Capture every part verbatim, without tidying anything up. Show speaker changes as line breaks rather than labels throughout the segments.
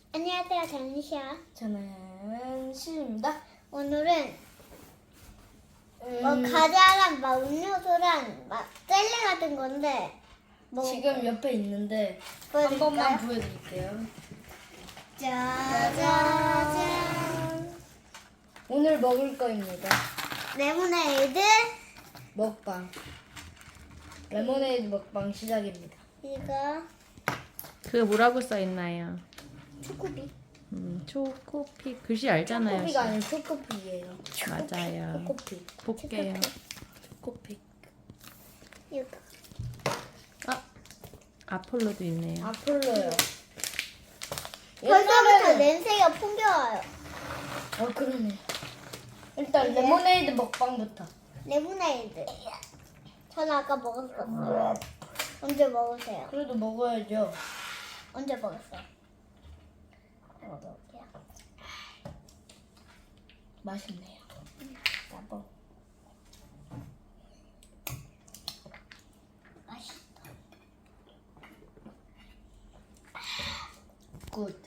안녕하세요, 전시야.
저는 시입니다.
오늘은
음,
뭐 과자랑 막 음료수랑 막 젤리 같은 건데 뭐
지금 옆에 있는데 한
보여드릴까요?
번만 보여드릴게요.
짜자잔.
오늘 먹을 거입니다.
레모네이드
먹방. 레모네이드 먹방 시작입니다.
이거
그게 뭐라고 써있나요?
초코비.
음, 초코피 글씨 알잖아요.
초코피가 아니라 초코피예요.
맞아요.
초코피.
볼게요.
초코피.
이거
아, 아폴로도 있네요.
아폴로요.
벌써부터
옛날에는
냄새가 풍겨와요.
어 그러네. 일단
이게?
레모네이드 먹방부터.
레모네이드. 저는 아까 먹었었어요. 언제 먹으세요?
그래도 먹어야죠.
언제 먹었어요? 먹어볼게요.
맛있네요. 나도.
맛있다.
굿.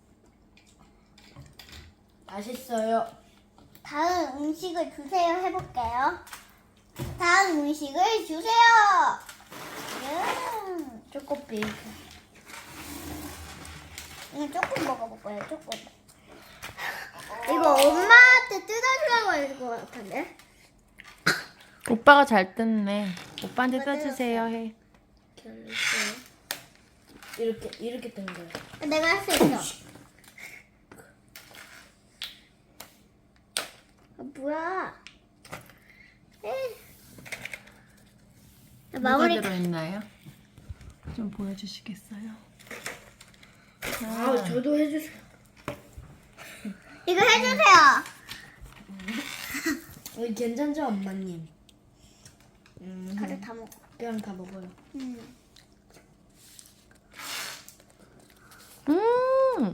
맛있어요.
다음 음식을 주세요 해볼게요. 다음 음식을 주세요. 음,
초코피.
이거 조금 먹어볼 거예요. 조금. 이거 엄마한테 뜯어주라고 할 것 같은데.
오빠가 잘 뜯네. 오빠한테
오빠
써주세요 해.
이렇게 이렇게 된 거예요.
내가 할 수 있어. 아, 뭐야? 에이.
뭐가
마무리.
들어있나요? 좀 보여주시겠어요?
아, 저도 해주세요.
이거 해주세요.
어, 괜찮죠, 엄마님? 음,
가져 다 먹어.
그냥 다 먹어요.
음.
음,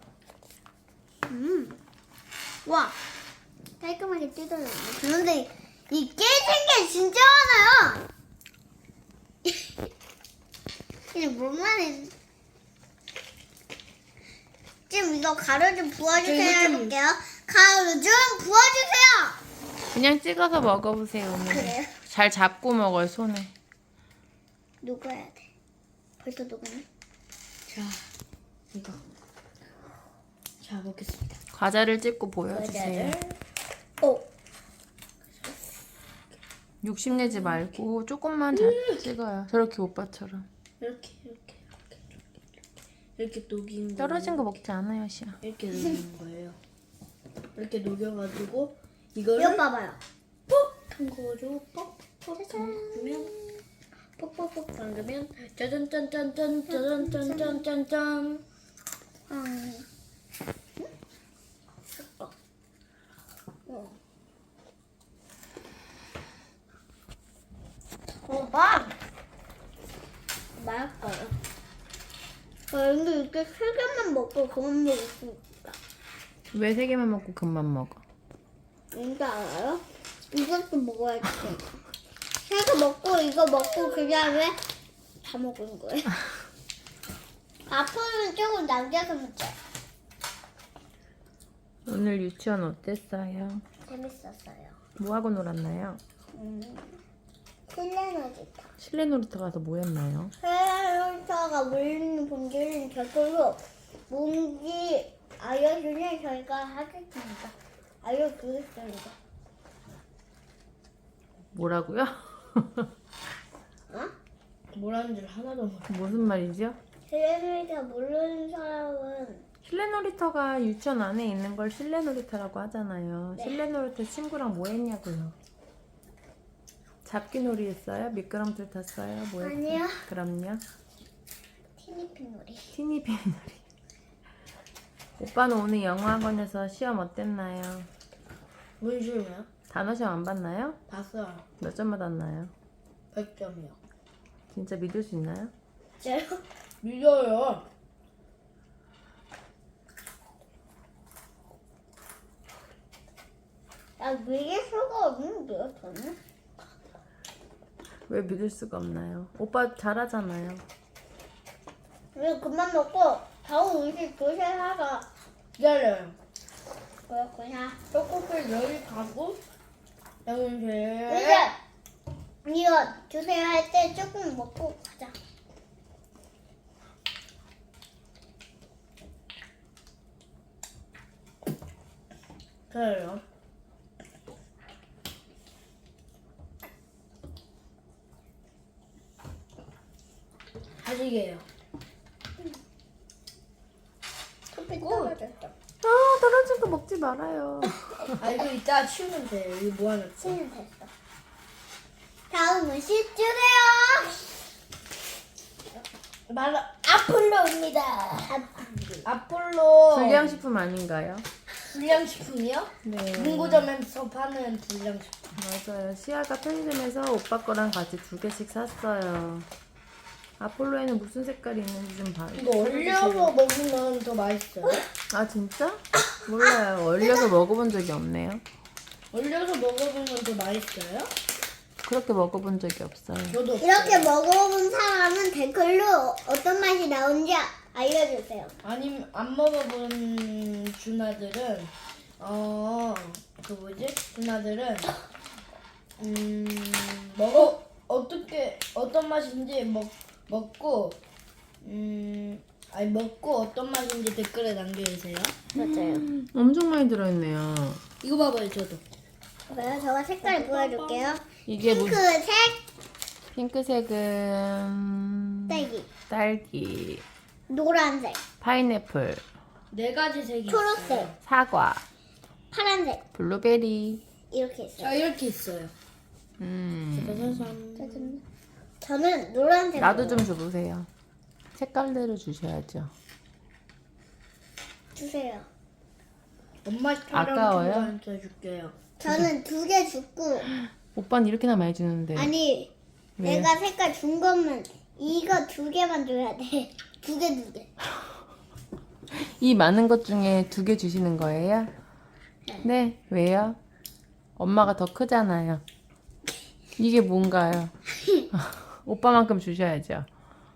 음. 와. 깔끔하게 뜯어졌네. 그런데 이 깨진 게 진짜 많아요. 이게 뭔 말인? 지금 이거 가루 좀 부어주세요
저 이거 좀-
해볼게요. 가루 좀 부어주세요.
그냥 찍어서 먹어보세요 오늘.
그래요?
잘 잡고 먹어요 손에.
녹아야 돼. 벌써 녹았네.
자, 이거. 자, 먹겠습니다.
과자를 찍고 보여주세요.
오.
욕심내지 말고 조금만 잘 찍어요. 저렇게 오빠처럼.
이렇게, 이렇게, 이렇게, 이렇게, 이렇게 녹인
떨어진 거
거예요.
먹지 않아요 시아.
이렇게 녹인 거예요. 이렇게 녹여가지고 이거를
이거 봐봐요.
퍽 담궈가지고 퍽퍽 담그면 퍽퍽퍽 담그면 짜잔짠짠짠 짜잔짠짠짠짠.
음. 어. 오빠 맛있어요. 아, 근데 이렇게 세 개만 먹고 그만 먹을 수 있다.
왜 세 개만 먹고 금방 먹어?
뭔지 알아요? 이것도 먹어야지. 세 개 먹고 이거 먹고 그 다음에 다 먹은 거예요. 앞으로는 조금 남겨서 먹자.
오늘 유치원 어땠어요?
재밌었어요.
뭐 하고 놀았나요?
음, 실내놀이터.
실내 놀이터 가서 뭐 했나요?
실내놀이터가 물리는 본질은 저절로 뭔지 알려주면 저희가 하겠습니다. 알려주겠습니다.
뭐라고요?
어?
뭐라는 줄 하나도 모르.
무슨 말이죠?
실내놀이터 모르는 사람은
실내 놀이터가 유치원 안에 있는 걸 실내 놀이터라고 하잖아요.
네.
실내 놀이터 친구랑 뭐 했냐고요? 잡기 놀이 했어요? 미끄럼틀 탔어요? 뭐 했어요?
아니요.
그럼요.
티니핑 놀이.
티니핑 놀이. 오빠는 오늘 영어학원에서 시험 어땠나요?
뭔 소리야?
단어 시험 안 봤나요?
봤어요.
몇 점 받았나요?
백 점이요.
진짜 믿을 수 있나요?
진짜요?
믿어요.
나 믿을 수가 없는데요, 저는?
왜 믿을 수가 없나요? 오빠 잘하잖아요.
우리 그만 먹고 다음 음식 조심하자.
기다려요.
그렇구나.
떡볶이 여기 가고 영은실.
이제 이거 주세요 할 때 조금 먹고 가자.
그래요. 아직이에요.
커피 떨어졌어.
아 떨어진 거 먹지 말아요.
아 이거 이따 치우면 돼요. 이거 모아놨지.
치는 됐어. 다음 음식 주세요.
바로 아폴로입니다.
아,
아폴로.
불량식품 아닌가요?
불량식품이요?
네.
문고점에서 파는 불량식품.
맞아요. 시아가 편의점에서 오빠 거랑 같이 두 개씩 샀어요. 아폴로에는 무슨 색깔이 있는지 좀 봐.
이거 얼려서 먹으면 더 맛있어요.
아 진짜? 몰라요. 얼려서 먹어본 적이 없네요.
얼려서 먹어보면 더 맛있어요?
그렇게 먹어본 적이 없어요.
저도 없어요.
이렇게 먹어본 사람은 댓글로 어떤 맛이 나온지 알려주세요.
아니면 안 먹어본 준아들은 어그 뭐지? 준아들은 음 먹어 어떻게 어떤 맛인지 먹 먹고 음 아니 먹고 어떤 맛인지 댓글에 남겨주세요.
맞아요.
엄청 많이 들어있네요.
이거 봐봐요, 저도.
그래요? 제가 색깔 보여줄게요.
이게 뭐
핑크색,
핑크색은
딸기,
딸기,
노란색,
파인애플,
네 가지 색이
초록색,
있어요.
사과,
파란색
블루베리.
이렇게 있어요.
자 이렇게 있어요.
음.
짜잔.
저는 노란색.
나도 좀 줘보세요. 색깔대로 주셔야죠.
주세요.
엄마 촬영
아까워요?
친구한테 줄게요.
저는 두 개 줬고
오빠는 이렇게나 많이 주는데.
아니
왜?
내가 색깔 준 거면 이거 두 개만 줘야 돼. 두 개 두 개.
이 많은 것 중에 두 개 주시는 거예요? 네. 왜요? 엄마가 더 크잖아요. 이게 뭔가요? 오빠만큼 주셔야죠.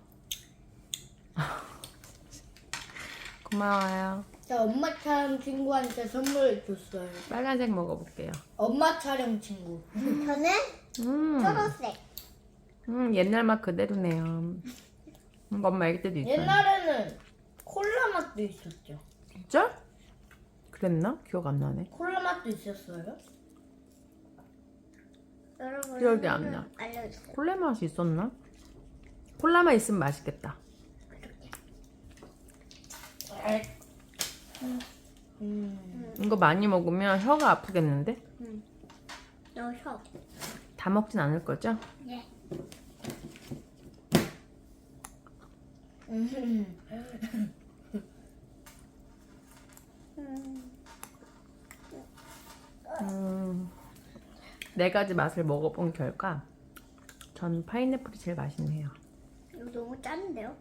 고마워요.
자 엄마 촬영 친구한테 선물 줬어요.
빨간색 먹어볼게요.
엄마 촬영 친구.
저는
음,
초록색.
음 옛날 맛 그대로네요. 음, 엄마 애기 때도 있어요.
옛날에는 콜라 맛도 있었죠.
진짜? 그랬나? 기억 안 나네.
콜라 맛도 있었어요.
여러분
기억이 안 나.
알려주세요.
콜라 맛이 있었나? 콜라만 있으면 맛있겠다.
음.
이거 많이 먹으면 혀가 아프겠는데?
너 혀.
다 먹진 않을 거죠?
네.
음.
음, 네 가지 맛을 먹어본 결과 전 파인애플이 제일 맛있네요.
이거 너무 짠데요?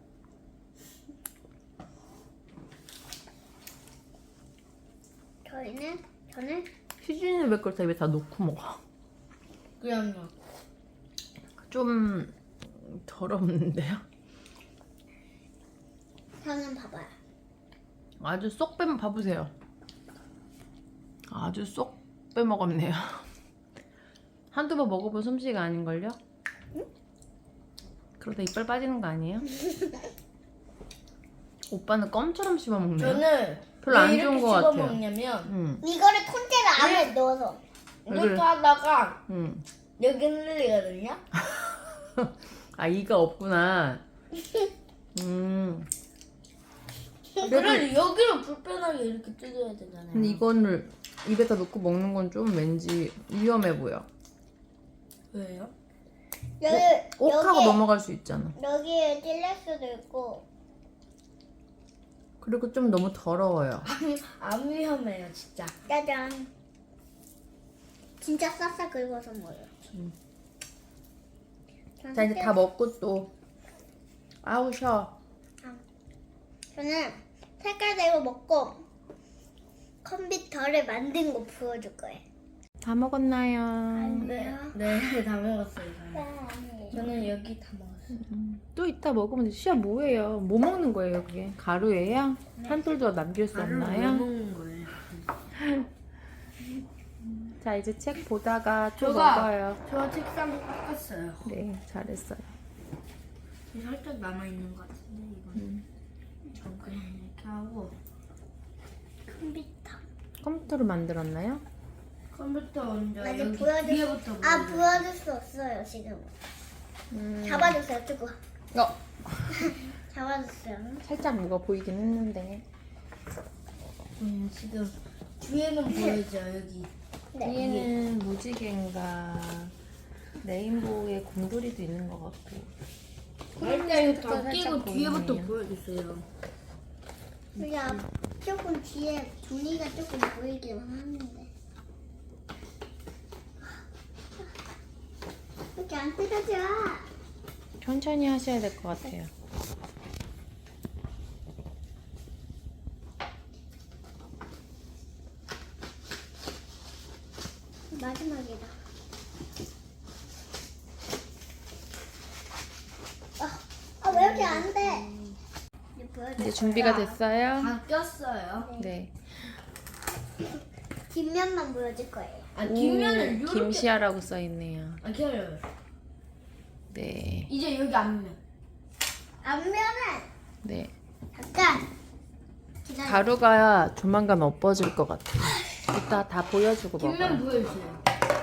저희는 저는
휴진이는 왜 그걸 다 입에 다 넣고 먹어?
그냥요.
좀 더럽는데요?
저는 봐봐요.
아주 쏙 빼, 봐보세요. 아주 쏙 빼먹었네요. 한두 번 먹어본 솜씨가 아닌걸요? 그러다 이빨 빠지는 거 아니에요? 오빠는 껌처럼 씹어먹네요.
저는
별로 안
왜
좋은
이렇게
것 같아요.
씹어먹냐면
응,
이거를 통째로 안에 넣어서.
왜
이렇게
그래?
하다가
응.
여기 흘리거든요.
아, 이가 없구나. 음.
그래도 여기를 불편하게 이렇게 뜯어야 되잖아요.
근데 이거를 입에다 넣고 먹는 건 좀 왠지 위험해 보여.
왜요?
여기
옥하고
여기
넘어갈 수 있잖아.
여기에 찔릴 수도 있고.
그리고 좀 너무 더러워요.
안 위험해요, 진짜.
짜잔. 진짜 싹싹 긁어서 먹어요.
음.
저는
자, 이제
색깔-
다 먹고 또 아우 쉬어.
저는 색깔대로 먹고 컴퓨터를 만든 거 보여줄 거예요.
다 먹었나요?
아니에요?
네, 다 먹었어요. 저는.
네, 아니에요.
저는 여기 다 먹었어요.
또 이따 먹으면 돼. 시아 뭐예요? 뭐 먹는 거예요 그게? 가루예요? 한 톨도 남길 수
가루를 왜
없나요?
먹는 거예요?
자 이제 책 보다가 또
저가-
먹어요.
저 책상 닦았어요.
네 잘했어요.
살짝 남아 있는 것 같은데 이건.
음.
전 그냥 이렇게 하고
컴퓨터.
컴퓨터로 만들었나요?
컴퓨터 먼저
나 이제
여기
보여줄
뒤에부터
아
보여줘요.
보여줄 수 없어요 지금.
음.
잡아주세요 조금.
어
잡아주세요.
살짝 뭐가 보이긴 했는데
음, 지금 뒤에는 보이죠 여기.
네.
뒤에는 무지개인가 레인보우의 곰돌이도 있는 것 같고
일단 이거 다
살짝
끼고
보이네요.
뒤에부터 보여주세요.
그냥 조금 뒤에 종이가 조금 보이긴 하는데. 이렇게 안 뜯어져.
천천히 하셔야 될 것 같아요.
마지막이다. 아, 아, 왜 이렇게 안 돼? 이제 보여줄
이제 준비가
거야.
됐어요?
다 꼈어요.
네.
뒷면만 보여줄 거예요.
아 뒷면을
오,
이렇게.
김시아라고 써 있네요.
아 기다려요.
네.
이제 여기 앞면.
앞면은
네.
잠깐 기다려.
가루가 조만간 엎어질 것 같아요. 이따 다 보여주고
뒷면
먹어요.
보여주세요.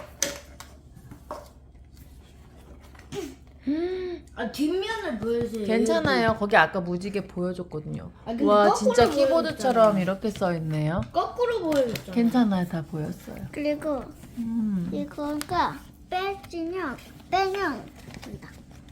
아 뒷면을 보여주세요.
괜찮아요. 거기 아까 무지개 보여줬거든요.
아, 근데
와
거꾸로
진짜 키보드처럼
보여줬잖아요.
이렇게 써 있네요.
여기. 거꾸로 보여줬잖아.
괜찮아요. 다 보였어요.
그리고
음.
이거가 빼지면 빼면 된다.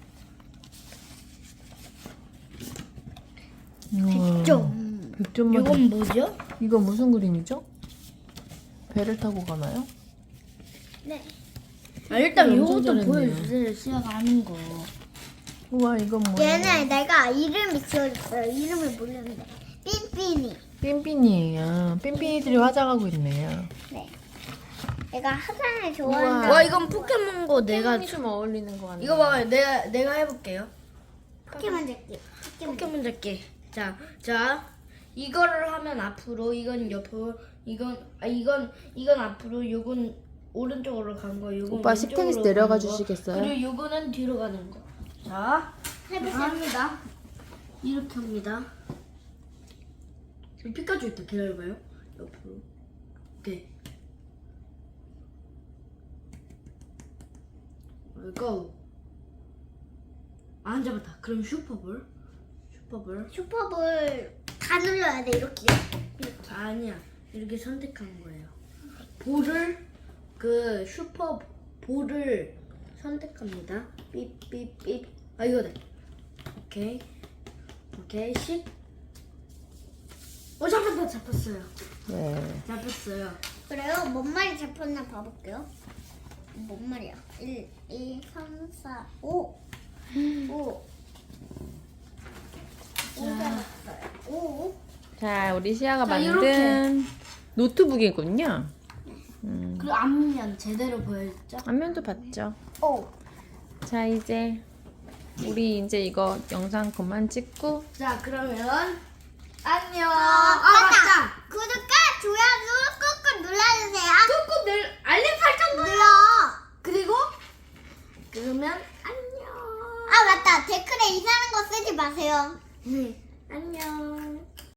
좀. 백점만.
이건 뭐죠?
이거 무슨 그림이죠? 배를 타고 가나요?
네.
아 일단
엄청
요것도
잘했네요.
보여주세요. 시아가 하는 거.
우와 이건 뭐예요?
얘는 내가 이름이 지어줬어요. 이름을 모르는데. 삔삔이.
삔삔이에요. 삔삔이들이 화장하고 있네요.
네. 내가 화장을 좋아한다.
와 이건 포켓몬고 내가
삔삔이 좀 어울리는 것 같네요.
이거 봐봐요. 내가 내가 해볼게요.
포켓몬 잡기. 포켓몬.
포켓몬 잡기. 자, 자 이거를 하면 앞으로, 이건 옆으로, 이건 아 이건 이건 앞으로, 요건 오른쪽으로 간 거, 요건
오빠
왼쪽으로
식탁에서
가는
내려가
거,
주시겠어요?
그리고 요거는 뒤로 가는 거. 자,
해보세요.
합니다. 이렇게 합니다. 지금 피카츄 있다. 기다려봐요. 옆으로. 오케이. 고. 안 잡았다. 그럼 슈퍼볼. 슈퍼볼.
슈퍼볼 다 눌러야 돼 이렇게.
아니야. 이렇게 선택한 거예요. 볼을 그 슈퍼 볼을 선택합니다. 삐삐삐. 아 이거다. 오케이. 오케이. 십. 어 잡았다. 잡았어요.
네.
잡았어요.
그래요? 뭔 말이 잡혔나 봐볼게요. 뭔 말이야? 일, 이, 삼, 사, 오. 오. 오 잡았어요. 오.
자 우리 시아가
자,
만든 노트북이군요. 음.
그 앞면 제대로 보여줬죠?
앞면도 봤죠.
오.
자 이제 우리 이제 이거 영상 그만 찍고
자 그러면 안녕.
아,
아
맞다.
맞다.
구독과 좋아요 꾹꾹 눌러주세요.
꾹꾹 늘 알림 설정
눌러.
그리고 그러면 안녕.
아 맞다. 댓글에 이상한 거 쓰지 마세요.
네 안녕.